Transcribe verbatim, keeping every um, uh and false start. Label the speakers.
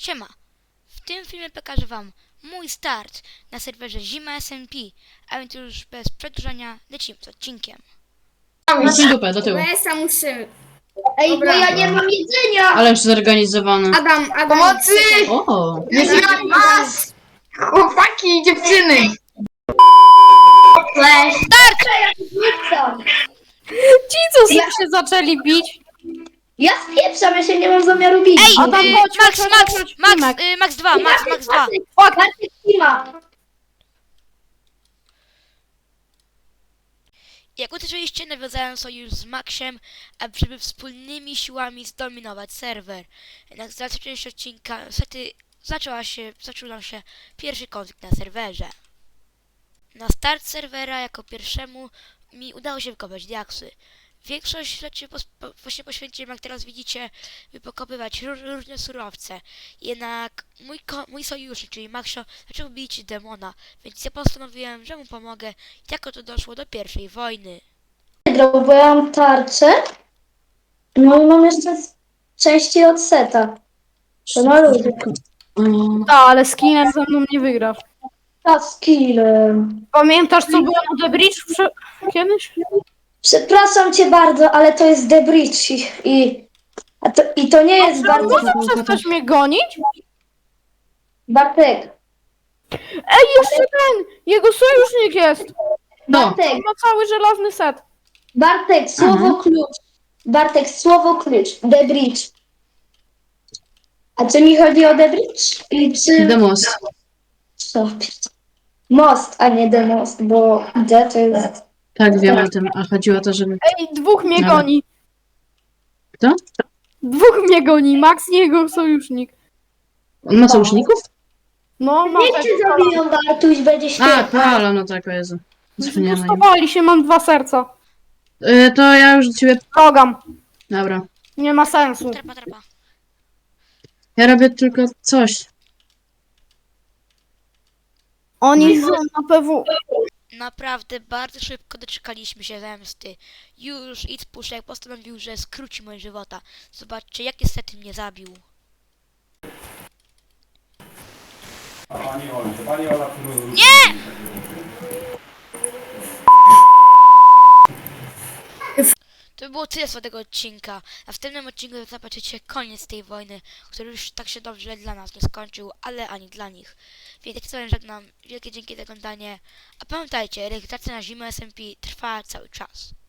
Speaker 1: Siema! W tym filmie pokażę wam mój start na serwerze Zima S M P, a więc już bez przedłużania lecimy z odcinkiem.
Speaker 2: Idź dupę, do tyłu.
Speaker 3: B S a musimy.
Speaker 4: Ej,
Speaker 3: Dobra.
Speaker 4: bo ja nie mam jedzenia!
Speaker 2: Ale już zorganizowany.
Speaker 3: Adam, Adam.
Speaker 4: Pomocy!
Speaker 2: O!
Speaker 4: Nie znam was! Chłopaki, dziewczyny! Cześć!
Speaker 1: Start!
Speaker 5: Ci, co ja... się zaczęli bić.
Speaker 4: Ja spieprzam, ja się nie mam zamiaru bić.
Speaker 1: Ej,
Speaker 5: Adam,
Speaker 1: y,
Speaker 5: chodź,
Speaker 1: Max,
Speaker 5: chodź,
Speaker 1: Max,
Speaker 5: chodź,
Speaker 1: Max,
Speaker 5: Max.
Speaker 1: y, Max dwa, Max, Max dwa.
Speaker 4: Bartek Tima.
Speaker 1: Jak usłyszeliście, nawiązałem sojusz z Maxem, aby wspólnymi siłami zdominować serwer. Jednak z dalszej części odcinka niestety zaczęła się, zaczął nam się pierwszy konflikt na serwerze. Na start serwera jako pierwszemu mi udało się wykopać diaksy. Większość rzeczy pos, po, właśnie poświęciłem, jak teraz widzicie, by pokopywać róż, różne surowce. Jednak mój, ko, mój sojusznik, czyli Maxio, zaczął bić demona, więc ja postanowiłem, że mu pomogę, i jako to doszło do pierwszej wojny.
Speaker 4: Wygrał, bo ja mam tarczę. No i mam jeszcze części od seta. To na ludzie.
Speaker 2: Mm,
Speaker 5: Tak, ale z kinem ze mną nie wygrasz.
Speaker 4: A z killem.
Speaker 5: Pamiętasz, co było na The Bridge prze... kiedyś?
Speaker 4: Przepraszam cię bardzo, ale to jest The Bridge i, i, a to, i to nie jest bardzo...
Speaker 5: Może przestać mnie gonić?
Speaker 4: Bartek,
Speaker 5: Ej, jeszcze ten! Jego sojusznik jest!
Speaker 2: No,
Speaker 4: Bartek,
Speaker 5: On ma cały żelazny set.
Speaker 4: Bartek, słowo
Speaker 2: Aha.
Speaker 4: klucz. Bartek, słowo klucz. The Bridge. A czy mi chodzi o The Bridge? I czy...
Speaker 2: demos.
Speaker 4: Co? Most, a nie The Most, bo The to jest...
Speaker 2: Tak, wiem o tym. A chodziło o to, żeby...
Speaker 5: Ej, dwóch mnie
Speaker 2: Ale-
Speaker 5: goni.
Speaker 2: Kto?
Speaker 5: Dwóch mnie goni, Max i jego sojusznik.
Speaker 2: On ma sojuszników?
Speaker 5: No, ma
Speaker 4: Niech cię zabiją, Bartuś, będzie
Speaker 2: A,
Speaker 4: świetnie.
Speaker 2: Paolo, no tak, o Jezu. Zapomniałem o nim.
Speaker 5: Zbustowali się, mam dwa serca.
Speaker 2: Y, To ja już do ciebie...
Speaker 5: Progam.
Speaker 2: Dobra.
Speaker 5: Nie ma sensu.
Speaker 1: Trapa, trapa.
Speaker 2: Ja robię tylko coś.
Speaker 5: Oni są na P W.
Speaker 1: Naprawdę bardzo szybko doczekaliśmy się zemsty. Już Idz Puszek postanowił, że skróci moje żywota. Zobaczcie, jak niestety mnie zabił.
Speaker 6: Pani Ola, to Pani Ola tu
Speaker 1: Nie! To by było tyle z tego odcinka, a w tym odcinku zobaczycie koniec tej wojny, który już tak się dobrze dla nas nie skończył, ale ani dla nich. Więc jak sobie żegnam, wielkie dzięki za oglądanie, a pamiętajcie, rekrutacja na Zimę S M P trwa cały czas.